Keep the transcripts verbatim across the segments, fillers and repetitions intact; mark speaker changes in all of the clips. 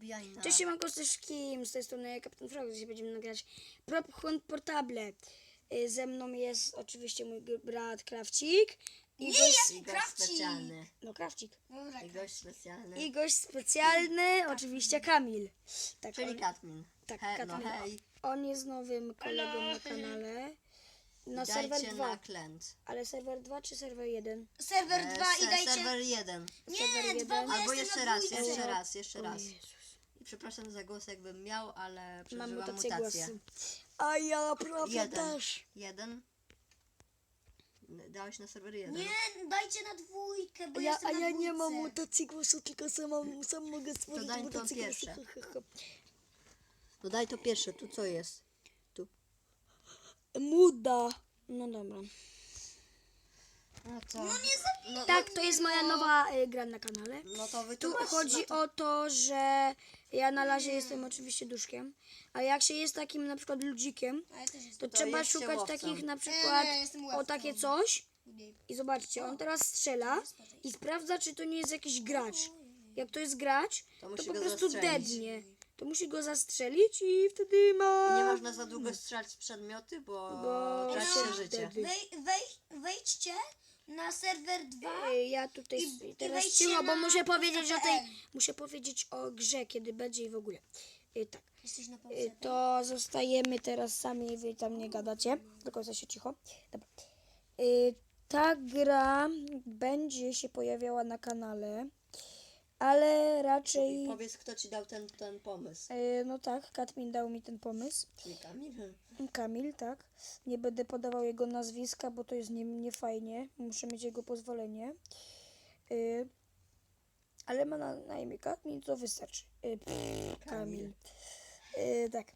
Speaker 1: zabijaj nas.
Speaker 2: Cześć, siemanko, z kim? Z tej strony Kapitan Frog. Dzisiaj będziemy nagrać Prop Hunt Portable. Y, Ze mną jest oczywiście mój g- brat Krawcik. I
Speaker 3: Nie,
Speaker 2: gość...
Speaker 3: ja-
Speaker 1: I gość
Speaker 3: Krawcik.
Speaker 1: specjalny.
Speaker 2: No, Krawcik.
Speaker 3: Dobra,
Speaker 1: I gość specjalny.
Speaker 2: I gość specjalny, oczywiście Kamil. Tak,
Speaker 1: Czyli
Speaker 2: on,
Speaker 1: Katmin.
Speaker 2: tak,
Speaker 1: He,
Speaker 2: Katmin.
Speaker 1: No hej,
Speaker 2: On jest nowym kolegą na kanale. Na serwer
Speaker 1: dajcie
Speaker 2: dwa.
Speaker 1: na klęt.
Speaker 2: Ale serwer dwa czy serwer jeden?
Speaker 3: serwer
Speaker 1: E,
Speaker 3: dwa i
Speaker 1: se-
Speaker 3: dajcie...
Speaker 1: Serwer jeden.
Speaker 3: Nie,
Speaker 2: serwer
Speaker 3: dwa,
Speaker 2: jeden.
Speaker 3: bo
Speaker 1: Albo
Speaker 3: jestem
Speaker 1: jeszcze
Speaker 3: na
Speaker 1: raz,
Speaker 3: dwójce.
Speaker 1: jeszcze raz, jeszcze
Speaker 2: O
Speaker 1: raz.
Speaker 2: Jezus.
Speaker 1: I przepraszam za głos, jakbym miał, ale
Speaker 2: Mam
Speaker 1: przeżyłam
Speaker 2: mutację
Speaker 1: mutację.
Speaker 2: głosu. A ja prawie
Speaker 1: Jeden.
Speaker 2: też.
Speaker 1: Jeden. Dałeś na serwer jeden.
Speaker 3: Nie, dajcie na dwójkę, bo
Speaker 2: Ja,
Speaker 3: jestem
Speaker 2: a
Speaker 3: na
Speaker 2: ja
Speaker 3: dwójce.
Speaker 2: nie mam mutacji głosu, tylko sam, mam, sam mogę stworzyć
Speaker 1: daj to
Speaker 2: mutację głosu.
Speaker 1: pierwsze.
Speaker 2: Ha, ha, ha.
Speaker 1: No daj to pierwsze, tu co jest? Tu.
Speaker 2: Muda. No dobra.
Speaker 1: No to...
Speaker 3: No nie zabijaj.
Speaker 2: Tak, to jest moja nowa y, gra na kanale.
Speaker 1: No to
Speaker 2: Tu
Speaker 1: wytłumacz.
Speaker 2: chodzi
Speaker 1: no to...
Speaker 2: o to, że ja na razie jestem oczywiście duszkiem, a jak się jest takim na przykład ludzikiem,
Speaker 3: A ja też
Speaker 2: to,
Speaker 3: jestem.
Speaker 1: To
Speaker 2: trzeba
Speaker 1: jest się
Speaker 2: szukać
Speaker 1: łowcą.
Speaker 2: takich na przykład
Speaker 3: Nie, nie, jestem
Speaker 2: o
Speaker 3: łowcą.
Speaker 2: takie coś
Speaker 3: Nie.
Speaker 2: i zobaczcie, on teraz strzela i sprawdza, czy to nie jest jakiś gracz. Jak to jest gracz,
Speaker 1: To
Speaker 2: to
Speaker 1: musi
Speaker 2: po
Speaker 1: go
Speaker 2: prostu
Speaker 1: zastrzelić.
Speaker 2: dednie. To musi go zastrzelić i wtedy ma...
Speaker 1: Nie można za długo strzelać w przedmioty, bo,
Speaker 2: Bo
Speaker 1: traci
Speaker 3: No,
Speaker 1: się życie.
Speaker 2: wtedy-
Speaker 3: Wej, wej, wejdźcie na serwer dwa.
Speaker 2: Ej, Ja tutaj
Speaker 3: I- i
Speaker 2: teraz
Speaker 3: wejdźcie
Speaker 2: cicho, bo
Speaker 3: na
Speaker 2: muszę powiedzieć o tej,
Speaker 3: P L.
Speaker 2: muszę powiedzieć o grze, kiedy będzie i w ogóle. Ej, tak.
Speaker 3: Jesteś na
Speaker 2: Y,
Speaker 3: pauzie.
Speaker 2: To zostajemy teraz sami, wy tam nie gadacie, do końca się cicho. Dobra. Y, Ta gra będzie się pojawiała na kanale, ale raczej,
Speaker 1: Powiedz, kto ci dał ten, ten pomysł.
Speaker 2: y, no tak, Katmin dał mi ten pomysł.
Speaker 1: Czyli Kamil?
Speaker 2: Kamil, tak. Nie będę podawał jego nazwiska, bo to jest nie, nie fajnie. Muszę mieć jego pozwolenie. Y, ale ma na, na imię Katmin, to wystarczy. Y, pff, Kamil. Y, tak.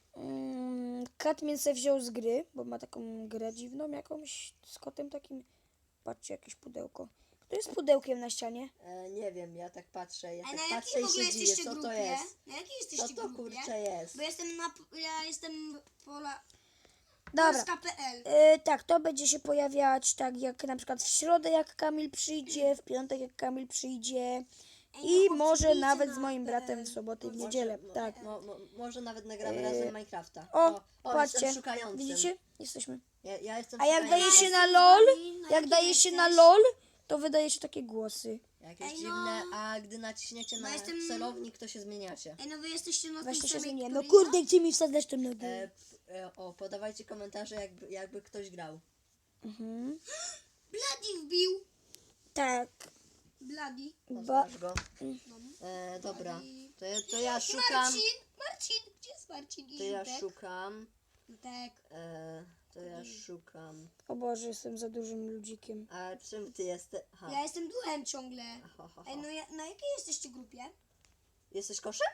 Speaker 2: Mm, Katmin se wziął z gry, bo ma taką grę dziwną jakąś z kotem takim. Patrzcie, jakieś pudełko. Kto jest pudełkiem na ścianie?
Speaker 1: E, nie wiem, ja tak patrzę, ja
Speaker 3: A
Speaker 1: tak
Speaker 3: na
Speaker 1: patrzę
Speaker 3: jakiej w
Speaker 1: i
Speaker 3: ogóle
Speaker 1: się dziwię,
Speaker 3: jesteście
Speaker 1: co
Speaker 3: grupie?
Speaker 1: to jest.
Speaker 3: Na jakiej
Speaker 1: Co
Speaker 3: jesteście
Speaker 1: to
Speaker 3: grupie?
Speaker 1: kurczę jest?
Speaker 3: Bo jestem na... Ja jestem pola...
Speaker 2: Dobra.
Speaker 3: Polska kropka pe el.
Speaker 2: Y, tak, to będzie się pojawiać tak jak na przykład w środę jak Kamil przyjdzie, w piątek jak Kamil przyjdzie i
Speaker 3: chłopcy,
Speaker 2: może
Speaker 3: bijcie
Speaker 2: nawet
Speaker 3: na
Speaker 2: z moim
Speaker 3: P L.
Speaker 2: bratem w sobotę i w
Speaker 1: Może-
Speaker 2: niedzielę.
Speaker 1: mo-
Speaker 2: Tak.
Speaker 1: Mo, mo, może nawet nagramy
Speaker 2: E,
Speaker 1: razem Minecrafta.
Speaker 2: O,
Speaker 1: o
Speaker 2: patrzcie,
Speaker 1: jestem szukającym.
Speaker 2: widzicie? Jesteśmy.
Speaker 1: Ja, ja jestem
Speaker 2: A jak
Speaker 1: szukającym.
Speaker 2: daje się na
Speaker 3: Jestem z
Speaker 2: LOL,
Speaker 3: wami. Na
Speaker 2: jak
Speaker 3: jakim
Speaker 2: daje się na
Speaker 3: jesteś?
Speaker 2: LOL, to wydaje się takie głosy.
Speaker 1: Jakieś
Speaker 3: Ej, no.
Speaker 1: dziwne, a gdy naciśniecie na
Speaker 3: jestem-
Speaker 1: celownik, to się zmieniacie.
Speaker 3: Ej, no wy jesteście na tej
Speaker 2: Właśnie się
Speaker 3: samej,
Speaker 2: zmienię. No
Speaker 3: której
Speaker 2: kurde, gdzie mi wsadzać tą nogę?
Speaker 1: E, p- e, o, podawajcie komentarze, jakby, jakby ktoś grał.
Speaker 2: Mhm.
Speaker 3: ja? Bloody wbił.
Speaker 2: Tak.
Speaker 3: Bloody.
Speaker 2: Ba
Speaker 1: Poznasz go?
Speaker 3: No.
Speaker 1: E, dobra, to, ja- to ja szukam.
Speaker 3: Marcin! Marcin! Gdzie jest Marcin i
Speaker 1: To ja
Speaker 3: Jutek?
Speaker 1: szukam.
Speaker 3: Jutek.
Speaker 1: E, to ja szukam.
Speaker 2: O Boże, jestem za dużym ludzikiem.
Speaker 1: A czym ty jesteś? Aha.
Speaker 3: Ja jestem duchem ciągle.
Speaker 1: Ho, ho,
Speaker 3: Ej,
Speaker 1: ho.
Speaker 3: no ja, na jakiej jesteście grupie?
Speaker 1: Jesteś koszem?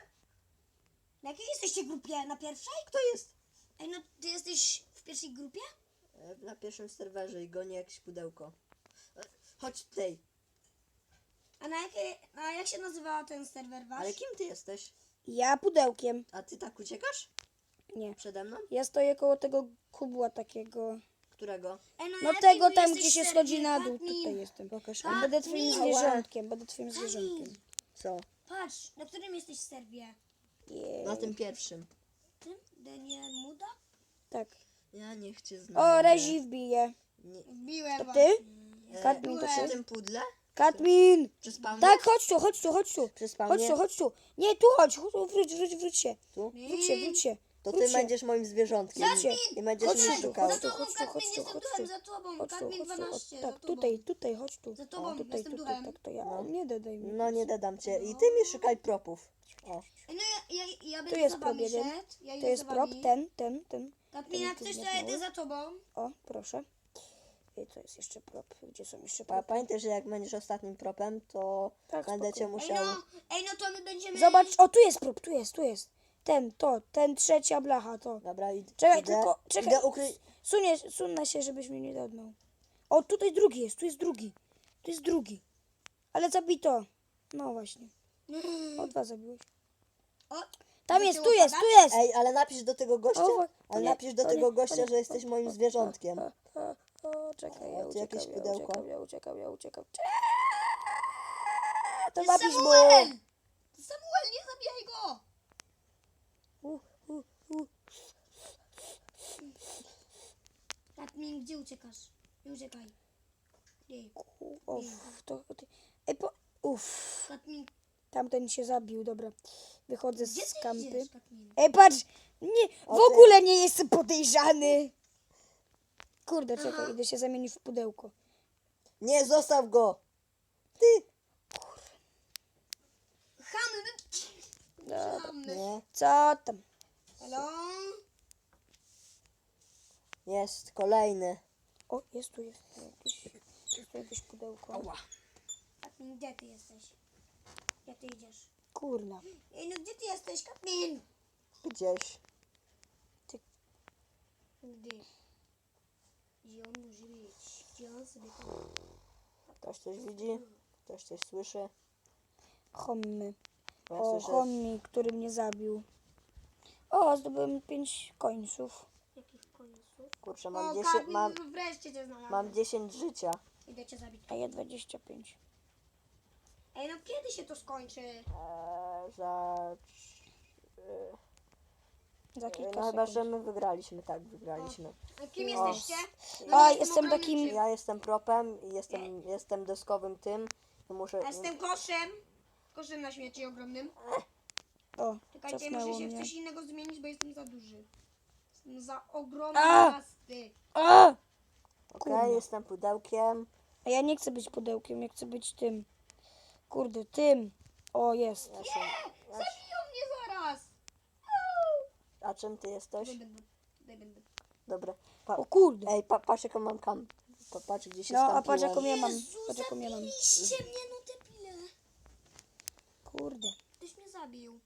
Speaker 3: Na jakiej jesteście grupie? Na pierwszej?
Speaker 1: Kto jest?
Speaker 3: Ej, no ty jesteś w pierwszej grupie?
Speaker 1: E, na pierwszym serwerze i goni jakieś pudełko. E, chodź tutaj.
Speaker 3: A na jakiej, a jak się nazywa ten serwer wasz?
Speaker 1: Ale kim ty jesteś?
Speaker 2: Ja pudełkiem.
Speaker 1: A ty tak uciekasz?
Speaker 2: Nie.
Speaker 1: Przede mną?
Speaker 2: Ja stoję koło tego kubła takiego.
Speaker 1: Którego?
Speaker 3: Ej, na
Speaker 2: No
Speaker 3: jakim
Speaker 2: tego
Speaker 3: wy
Speaker 2: tam,
Speaker 3: jesteś
Speaker 2: gdzie się
Speaker 3: serwie?
Speaker 2: schodzi na dół.
Speaker 3: Katmin,
Speaker 2: Tutaj jestem.
Speaker 1: Pokaż.
Speaker 2: A będę twoim
Speaker 3: Katmin.
Speaker 2: zwierzątkiem. Będę twoim zwierzątkiem.
Speaker 1: Co?
Speaker 3: Patrz, na którym jesteś serwie?
Speaker 2: Jej.
Speaker 1: Na tym pierwszym.
Speaker 3: Tym? Daniel Muda?
Speaker 2: Tak.
Speaker 1: Ja nie chcę znać.
Speaker 2: O, Rezi wbije.
Speaker 1: Nie.
Speaker 3: Wbiłem
Speaker 2: To
Speaker 3: was.
Speaker 2: ty?
Speaker 1: E,
Speaker 2: Katmin, to
Speaker 1: przy
Speaker 2: ty?
Speaker 1: tym pudle?
Speaker 2: Katmin!
Speaker 1: Przy spawnie?
Speaker 2: Tak, chodź tu, chodź tu, chodź tu.
Speaker 1: Przy
Speaker 2: Chodź
Speaker 1: spawnie?
Speaker 2: tu, chodź tu. Nie, tu chodź, chodź tu, wróć, wróć, wróć się.
Speaker 1: Tu?
Speaker 2: Wróć się, wróć się.
Speaker 1: To
Speaker 2: wróć
Speaker 1: ty
Speaker 2: się.
Speaker 1: będziesz moim zwierzątkiem.
Speaker 2: Wróć się.
Speaker 1: I będziesz
Speaker 2: Chodź
Speaker 1: mnie
Speaker 2: tu,
Speaker 1: szukał.
Speaker 3: Za
Speaker 2: chodź tu,
Speaker 3: tobą,
Speaker 2: chodź tu,
Speaker 3: Katmin,
Speaker 2: chodź tu,
Speaker 3: jestem
Speaker 2: chodź
Speaker 3: duchem,
Speaker 2: tu.
Speaker 3: za tobą.
Speaker 2: Chodź tu,
Speaker 3: Katmin
Speaker 2: chodź tu,
Speaker 3: dwanaście,
Speaker 2: chodź,
Speaker 3: za
Speaker 2: tak,
Speaker 3: tobą.
Speaker 2: tutaj, tutaj, chodź tu.
Speaker 3: Za tobą,
Speaker 2: O, tutaj,
Speaker 3: jestem
Speaker 2: tutaj,
Speaker 3: duchem.
Speaker 2: tak, to ja.
Speaker 1: No.
Speaker 2: Nie dodaj mi.
Speaker 1: No nie dodam cię. I ty mi szukaj propów. O.
Speaker 3: Ej, no ja, ja, ja
Speaker 2: Tu
Speaker 3: będę
Speaker 2: jest
Speaker 3: za wami
Speaker 2: prop jeden.
Speaker 3: szedł. Ja
Speaker 2: To
Speaker 3: idę
Speaker 2: jest
Speaker 3: za
Speaker 2: prop,
Speaker 3: wami.
Speaker 2: ten, ten, ten.
Speaker 3: Katmin, jak
Speaker 2: ten
Speaker 3: coś, to
Speaker 2: jest
Speaker 3: ja idę
Speaker 2: mały.
Speaker 3: za tobą.
Speaker 2: O, proszę. I to jest jeszcze prop. Gdzie są jeszcze
Speaker 1: Pa,
Speaker 2: propy?
Speaker 1: pamiętaj, że jak będziesz ostatnim propem, to
Speaker 2: Tak,
Speaker 1: będę
Speaker 2: spoko.
Speaker 1: cię
Speaker 3: Ej,
Speaker 1: musiał...
Speaker 3: no, ej, no to my będziemy...
Speaker 2: Zobacz, o tu jest prop, tu jest, tu jest. Ten, to, ten trzecia blacha, to.
Speaker 1: Dobra, id-
Speaker 2: Czekaj,
Speaker 1: idę,
Speaker 2: tylko, czekaj.
Speaker 1: idę ukryć...
Speaker 2: Sunie, sunę się, żebyś mnie nie dodnął. O, tutaj drugi jest, tu jest drugi. Tu jest drugi. Ale zabito. No właśnie. O, dwa zabiłeś.
Speaker 3: O,
Speaker 2: Tam
Speaker 3: do
Speaker 2: jest,
Speaker 3: tyłu
Speaker 2: tu jest,
Speaker 3: pada?
Speaker 2: tu jest.
Speaker 1: Ej, ale napisz do tego gościa,
Speaker 2: O,
Speaker 1: ale
Speaker 2: nie,
Speaker 1: napisz do
Speaker 2: o
Speaker 1: tego
Speaker 2: nie,
Speaker 1: gościa,
Speaker 2: o nie,
Speaker 1: że jesteś
Speaker 2: o,
Speaker 1: moim
Speaker 2: o,
Speaker 1: zwierzątkiem.
Speaker 2: O, o, o, czekaj, ja
Speaker 1: O, tu jakieś
Speaker 2: uciekam, ja
Speaker 1: pudełko.
Speaker 2: uciekam, ja uciekam, ja uciekam. To
Speaker 3: To jest
Speaker 2: napisz mu.
Speaker 3: Samuel! Samuel, nie zabijaj go! Katmin, gdzie uciekasz? Nie uciekaj. Nie.
Speaker 2: Uff, to... to- Ej, po... Uff,
Speaker 3: Katmin,
Speaker 2: tamten się zabił, dobra. Wychodzę
Speaker 3: gdzie
Speaker 2: z
Speaker 3: ty
Speaker 2: kampy.
Speaker 3: idziesz, Katmin?
Speaker 2: Ej, patrz! Nie, w
Speaker 1: O, ty-
Speaker 2: ogóle nie jestem podejrzany! Kurde, czekaj,
Speaker 3: Aha.
Speaker 2: idę się zamienić w pudełko.
Speaker 1: Nie, zostaw go! Ty!
Speaker 3: Chamy,
Speaker 2: Dobra.
Speaker 3: chamy.
Speaker 1: Nie,
Speaker 2: Co tam?
Speaker 3: Halo?
Speaker 1: jest kolejny.
Speaker 2: O, jest tu, jest tu jakieś, jest tu jakieś pudełko.
Speaker 1: Ała.
Speaker 3: Katmin, gdzie ty jesteś? Gdzie ty idziesz?
Speaker 2: Kurna.
Speaker 3: Ej, no gdzie ty jesteś, Katmin?
Speaker 1: Gdzieś.
Speaker 3: Gdzie? Gdzie on może być? Gdzie on sobie tam...
Speaker 1: Ktoś coś widzi? Ktoś coś słyszy?
Speaker 2: Hommy.
Speaker 1: Bo ja
Speaker 2: O,
Speaker 1: słyszę...
Speaker 2: hommy, który mnie zabił. O, zdobyłem pięć końców.
Speaker 3: Jakich końców?
Speaker 1: Kurczę,
Speaker 3: O,
Speaker 1: mam dziesięć,
Speaker 3: Katmin,
Speaker 1: mam,
Speaker 3: wreszcie cię znalazłem.
Speaker 1: mam dziesięć życia.
Speaker 3: Idę cię zabić.
Speaker 2: A ja dwadzieścia pięć.
Speaker 3: Ej, no kiedy się to skończy?
Speaker 1: Eee, za... Eee,
Speaker 2: Za kilka
Speaker 1: no chyba,
Speaker 2: sekund.
Speaker 1: że my wygraliśmy, tak, wygraliśmy.
Speaker 3: A kim
Speaker 1: O.
Speaker 3: jesteście?
Speaker 2: A,
Speaker 3: jestem
Speaker 2: jestem
Speaker 3: ogromnym
Speaker 2: takim-
Speaker 3: czym?
Speaker 1: Ja jestem propem i jestem, jestem deskowym tym. I muszę...
Speaker 3: A jestem koszem. Koszem na śmieci ogromnym.
Speaker 2: O,
Speaker 3: Czekajcie,
Speaker 2: cofnęło
Speaker 3: muszę się w
Speaker 2: mnie.
Speaker 3: coś innego zmienić, bo jestem za duży. Jestem za ogromny
Speaker 2: A!
Speaker 3: pasty.
Speaker 2: A!
Speaker 1: Okej,
Speaker 2: kurwa.
Speaker 1: jestem pudełkiem.
Speaker 2: A ja nie chcę być pudełkiem, ja chcę być tym. Kurde, tym. O, jest.
Speaker 1: Ja się, ja się,
Speaker 3: Zabiją mnie zaraz.
Speaker 1: a czym ty jesteś?
Speaker 3: Tutaj będę. Tutaj będę.
Speaker 1: Dobra. Pa,
Speaker 2: O kurde.
Speaker 1: ej, pa, patrz jaką mam kam. Pa, patrz gdzie się
Speaker 2: No, a patrz
Speaker 1: skampiłem.
Speaker 2: jaką ja mam.
Speaker 3: Jezu,
Speaker 2: Patrz jaką ja mam.
Speaker 3: zabiliście mnie, no debile.
Speaker 2: Kurde.
Speaker 3: Ktoś mnie zabił.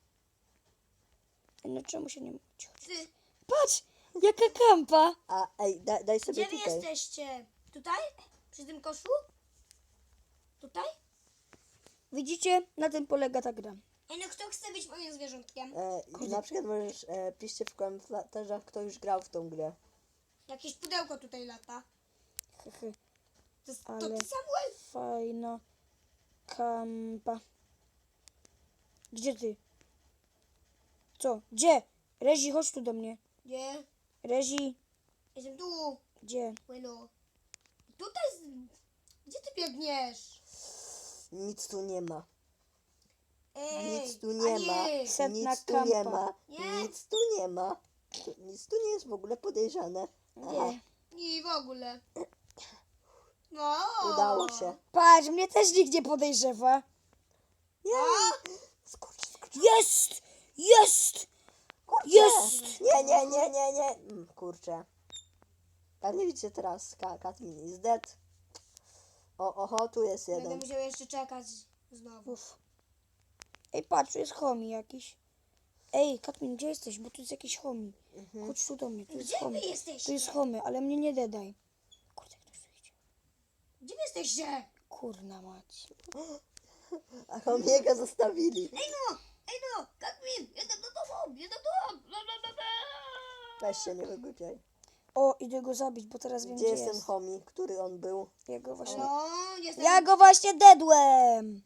Speaker 2: No czemu się nie mówić?
Speaker 3: Ty,
Speaker 2: Patrz! Jaka kampa!
Speaker 1: A ej, daj, daj sobie
Speaker 3: gdzie wy
Speaker 1: tutaj.
Speaker 3: jesteście? Tutaj? Przy tym koszu? Tutaj?
Speaker 2: Widzicie? Na tym polega ta gra.
Speaker 3: Ej, no kto chce być moim zwierzątkiem?
Speaker 1: E, i na przykład możesz, e, piszcie w komentarzach, kto już grał w tą grę.
Speaker 3: Jakieś pudełko tutaj lata.
Speaker 2: Hehe.
Speaker 3: To, to
Speaker 2: Ale-
Speaker 3: ty, Samuel?
Speaker 2: Fajna kampa. Gdzie ty? Co? Gdzie? Rezi, chodź tu do mnie.
Speaker 3: Gdzie?
Speaker 2: Rezi,
Speaker 3: Jestem tu.
Speaker 2: gdzie?
Speaker 3: Bueno. Tutaj. Z... Gdzie ty biegniesz?
Speaker 1: Nic tu nie ma.
Speaker 3: Ej,
Speaker 1: Nic tu nie
Speaker 3: a
Speaker 1: ma.
Speaker 3: nie.
Speaker 2: Setna
Speaker 1: Nic tu nie
Speaker 2: kampa.
Speaker 1: ma.
Speaker 3: Nie.
Speaker 1: Nic tu nie ma. Tu, nic tu nie jest w ogóle podejrzane. Aha,
Speaker 2: Nie.
Speaker 3: I w ogóle. No.
Speaker 1: udało się.
Speaker 2: Patrz, mnie też nikt nie podejrzewa.
Speaker 1: Nie. Skurcz, skurcz.
Speaker 2: Jest! Jest! Jest!
Speaker 1: Nie, nie, nie, nie, nie. Mm, kurczę. Pewnie widzicie teraz. Ka Katmin is dead. O, oho, tu jest
Speaker 3: Będę
Speaker 1: jeden.
Speaker 3: musiał jeszcze czekać znowu.
Speaker 2: Uf. Ej, patrz, tu jest homie jakiś. Ej, Katmin, gdzie jesteś? Bo tu jest jakiś homie. Chodź tu do mnie, tu jest
Speaker 3: Gdzie wy
Speaker 2: homie. Tu
Speaker 3: jesteście?
Speaker 2: jest homie, ale mnie nie dedaj. Kurde, ktoś tu idzie.
Speaker 3: Gdzie wy jesteście?
Speaker 2: Kurna mać.
Speaker 1: A Homiego zostawili.
Speaker 3: Ej no! Ej no! Katmin! Jestem do tobą! Jestem do tobą! Bla, bla, bla, bla.
Speaker 1: Weź się, nie wygłupiaj.
Speaker 2: O, idę go zabić, bo teraz wiem,
Speaker 1: Gdzie
Speaker 2: gdzie
Speaker 1: jest ten
Speaker 2: jest.
Speaker 1: homie, który on był?
Speaker 2: Ja go właśnie...
Speaker 3: No, jestem...
Speaker 2: Ja go właśnie dedłem!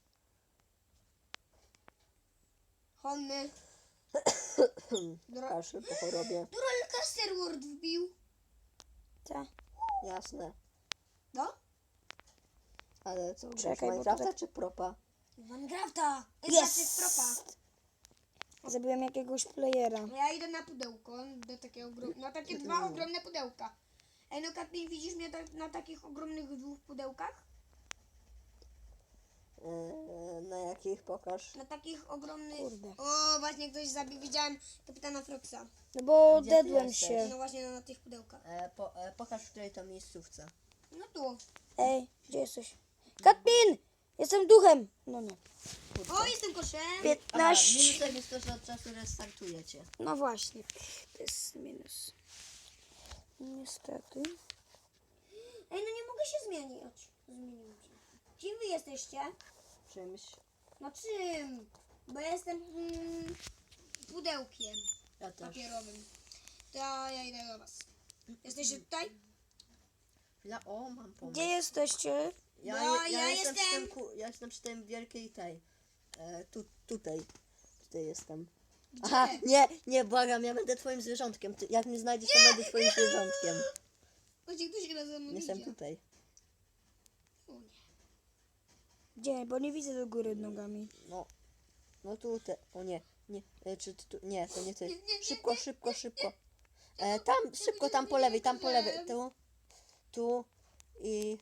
Speaker 3: Honny. Dora...
Speaker 1: Kaszy po chorobie.
Speaker 3: Dural Casterward wbił.
Speaker 2: Ta.
Speaker 1: Jasne.
Speaker 3: No?
Speaker 1: Ale co, grasz
Speaker 2: Czekaj, bo
Speaker 1: Minecrafta
Speaker 2: tutaj-
Speaker 1: czy propa?
Speaker 3: Minecrafta!
Speaker 2: Jest!
Speaker 3: Jest propa.
Speaker 2: Zabiłem jakiegoś playera.
Speaker 3: No ja idę na pudełko, do takiego ogrom... na takie dwa ogromne pudełka. Ej no Katmin, widzisz mnie tak, na takich ogromnych dwóch pudełkach?
Speaker 1: Eee, na jakich pokaż?
Speaker 3: Na takich ogromnych...
Speaker 2: Kurde.
Speaker 3: O, właśnie ktoś zabił, widziałem kapitana Froxa.
Speaker 2: No bo
Speaker 1: Gdzie ty
Speaker 2: dedłem
Speaker 1: jesteś?
Speaker 2: się.
Speaker 3: No właśnie na tych pudełkach.
Speaker 1: E, po, e, pokaż w której to miejscówce.
Speaker 3: No tu.
Speaker 2: Ej, gdzie jesteś? Katmin! Jestem duchem! No nie.
Speaker 3: O, jestem koszem.
Speaker 2: piętnaście.
Speaker 1: jest to, że od czasu restartujecie.
Speaker 2: No właśnie. To jest minus. Niestety.
Speaker 3: Ej, no nie mogę się zmienić. Zmienić. Kim wy jesteście?
Speaker 1: Czymś.
Speaker 3: No czym? Bo ja jestem mm, pudełkiem
Speaker 1: Ja też.
Speaker 3: papierowym. To ja idę do was. Jesteście tutaj?
Speaker 1: Ja, o, mam pomysł.
Speaker 2: Gdzie jesteście?
Speaker 1: Ja,
Speaker 3: No,
Speaker 1: ja,
Speaker 3: ja
Speaker 1: jestem, Przy
Speaker 3: jestem-
Speaker 1: tym, ku- ja jestem przy tej wielkiej tej. E, tu, tutaj. Tutaj jestem.
Speaker 3: Gdzie?
Speaker 1: Aha, nie, nie, błagam, ja będę twoim zwierzątkiem. Ty, jak mnie znajdziesz, to będę twoim zwierzątkiem.
Speaker 3: Chodź, ktoś się ze mną
Speaker 1: Jestem
Speaker 3: idzie.
Speaker 1: tutaj.
Speaker 3: O nie.
Speaker 2: Gdzie? Bo nie widzę do góry nogami.
Speaker 1: No. No tu te. O nie. Nie. E, czy ty tu. Nie, to nie ty.
Speaker 3: Nie, nie, nie,
Speaker 1: Szybko,
Speaker 3: nie,
Speaker 1: szybko, szybko. E, tam, szybko, tam po lewej, tam po lewej. Tu. Tu. I.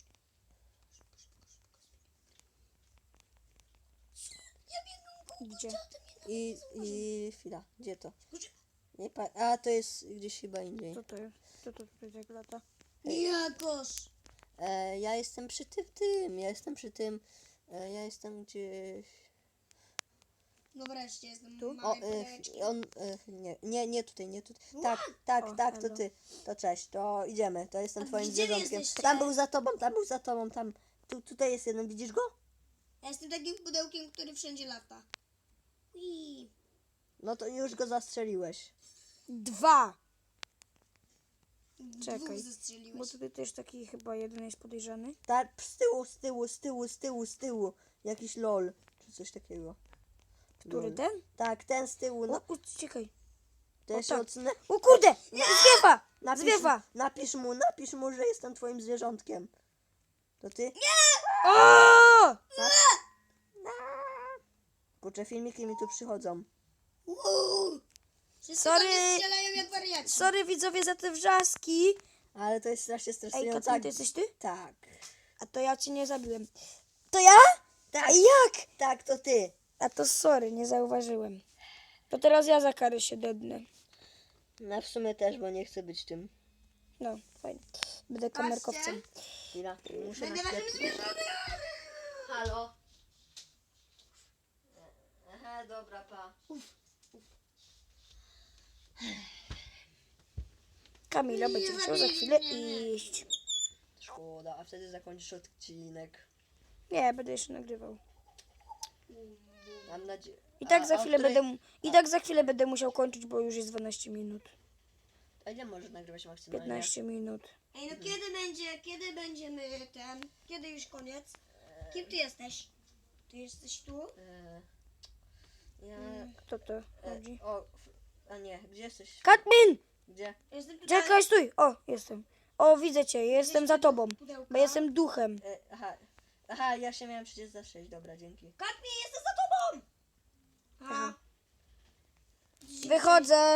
Speaker 3: Ja biegam koło
Speaker 2: Gdzie?
Speaker 1: I. I. Chwila. Gdzie to? Nie pa... A to jest gdzieś chyba indziej.
Speaker 2: Co to jest? Co to tutaj tak lata?
Speaker 3: Jakoś.
Speaker 1: E, ja jestem przy tym, tym. Ja jestem przy tym. E, ja jestem gdzieś.
Speaker 3: No wreszcie jestem
Speaker 2: Tu?
Speaker 1: O,
Speaker 3: małej
Speaker 1: e,
Speaker 3: pudełeczki.
Speaker 1: on. E, nie, nie, nie tutaj, nie tutaj. Tak, tak,
Speaker 2: O,
Speaker 1: tak, to
Speaker 2: elo.
Speaker 1: ty. To cześć, to idziemy. To jestem
Speaker 3: A
Speaker 1: twoim
Speaker 3: gdzie wy
Speaker 1: zwierzątkiem.
Speaker 3: jesteście?
Speaker 1: Tam był za tobą, tam był za tobą, tam. Tu, tutaj jest jeden, widzisz go?
Speaker 3: Ja jestem takim pudełkiem, który wszędzie lata. Ui.
Speaker 1: No to już go zastrzeliłeś.
Speaker 2: Dwa!
Speaker 3: Dwóch
Speaker 2: Czekaj.
Speaker 3: zestrzeliłeś.
Speaker 2: Bo tutaj też taki chyba jeden jest podejrzany.
Speaker 1: Tak, z tyłu, z tyłu, z tyłu, z tyłu, z tyłu. Jakiś lol, czy coś takiego.
Speaker 2: Który
Speaker 1: Lol.
Speaker 2: ten?
Speaker 1: Tak, ten z tyłu.
Speaker 2: O,
Speaker 1: No,
Speaker 2: u, czekaj.
Speaker 1: to
Speaker 2: o,
Speaker 1: ja się
Speaker 2: tak.
Speaker 1: odsunę.
Speaker 2: O kurde! Zwiewa!
Speaker 1: Napisz,
Speaker 2: Zwiewa!
Speaker 1: napisz mu, napisz mu, że jestem twoim zwierzątkiem. To ty?
Speaker 2: O!
Speaker 1: Kurczę, filmiki mi tu przychodzą.
Speaker 3: Uuu. Wszyscy
Speaker 2: Sorry.
Speaker 3: do mnie strzelają jak wariaci.
Speaker 2: Sorry widzowie za te wrzaski.
Speaker 1: Ale to jest strasznie
Speaker 2: Ej,
Speaker 1: stresujące.
Speaker 2: Katrin, to jesteś ty?
Speaker 1: Tak.
Speaker 2: A to ja cię nie zabiłem. To ja?
Speaker 1: Tak.
Speaker 2: A jak?
Speaker 1: Tak, to ty.
Speaker 2: A to sorry, nie zauważyłem. To teraz ja za karę się dednę.
Speaker 1: No w sumie też, bo nie chcę być tym.
Speaker 2: No, fajnie. Będę kamerkowcem.
Speaker 1: Chwila, muszę
Speaker 3: Będę waszym
Speaker 1: naświetlić.
Speaker 3: zwierzonym.
Speaker 1: Halo? Aha, dobra, pa.
Speaker 2: Kamila
Speaker 3: Nie
Speaker 2: będzie musiał za
Speaker 3: zabili
Speaker 2: chwilę
Speaker 3: mnie.
Speaker 2: iść.
Speaker 1: Szkoda, a wtedy zakończysz odcinek.
Speaker 2: Nie, będę jeszcze nagrywał.
Speaker 1: Mam nadzieję.
Speaker 2: I tak
Speaker 1: A-
Speaker 2: za
Speaker 1: a o
Speaker 2: chwilę
Speaker 1: której-
Speaker 2: będę mu- I tak za chwilę będę musiał kończyć, bo już jest dwanaście minut.
Speaker 1: A ile możesz nagrywać maksymalnie?
Speaker 2: piętnaście minut.
Speaker 3: Ej, no kiedy będzie, kiedy będziemy ten, kiedy już koniec? Kim ty jesteś? Ty jesteś tu?
Speaker 1: E, ja...
Speaker 2: Kto to
Speaker 1: E,
Speaker 2: chodzi?
Speaker 1: o, f- a nie, gdzie jesteś?
Speaker 2: Katmin!
Speaker 1: Gdzie?
Speaker 3: Jestem tutaj.
Speaker 2: Czekaj, stój! O, jestem. O, widzę cię, jestem za tobą.
Speaker 3: Pudełka.
Speaker 2: Bo jestem duchem.
Speaker 1: E, aha. Aha, ja się miałem przecież za sześć, dobra, dzięki.
Speaker 3: Katmi, jestem za tobą! A.
Speaker 2: Wychodzę.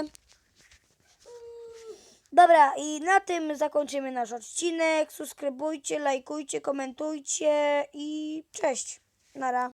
Speaker 2: Dobra, i na tym zakończymy nasz odcinek. Subskrybujcie, lajkujcie, komentujcie i cześć. Nara.